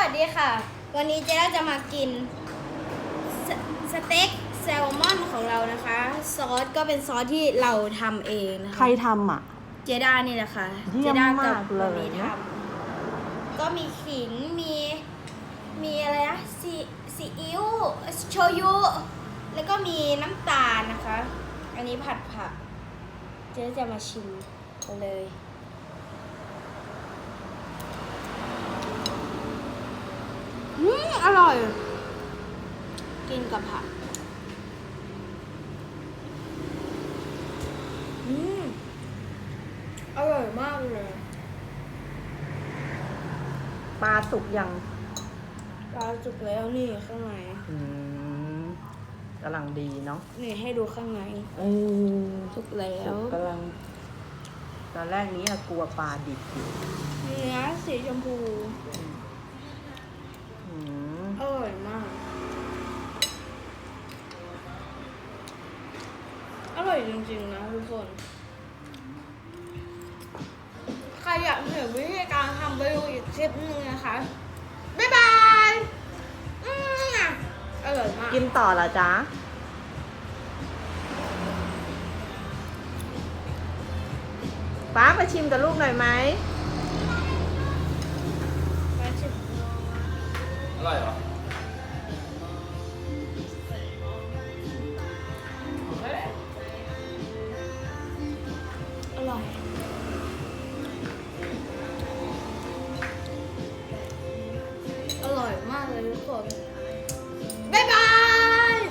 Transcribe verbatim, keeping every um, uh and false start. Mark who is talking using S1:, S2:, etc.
S1: ดีค่ะ วันนี้เจ๊ด้าจะมากินสสเต็กแซลมอนของเรานะคะ ซอสก็เป็นซอสที่เราทำเองนะคะ
S2: ใครทำอ่ะ
S1: เจ๊ด้านี่แหละค่ะ
S2: เยี่ยม
S1: เจ๊ด้ากั
S2: มากเลย
S1: มีทำก็มีขิงมีมีอะไรนะซีซีอิ๊วโชยุแล้วก็มีน้ำตาลนะคะ อันนี้ผัดผักเจ๊จะมาชิมกันเลยอืมอร่อย กินกับผักอืมอร่อยมากเลย
S2: ปลาสุกยัง
S1: ปลาสุกแล้วนี่ข้างใน
S2: อืมกำลังดีเนาะ
S1: นี่ให้ดูข้างใน
S2: เออ
S1: สุกแล้
S2: สุ
S1: ว
S2: กกำลัง ตอนแรกนี้อะกลัวปลาดิบอยู่
S1: เนื้อสีชมพู
S2: อืม
S1: อร่อยมาก อร่อยจริงๆนะทุกคน ใครอยากเห็นวิธีการทำไปดูอีกคลิปนึงนะคะ บ๊ายบายอืมอร่อยมาก
S2: กินต่อเหรอจ๊ะ ป้ามาชิมกับลูกหน่อยไหม
S1: ไปชิม
S3: อร่อยเหรอ
S1: อร่อย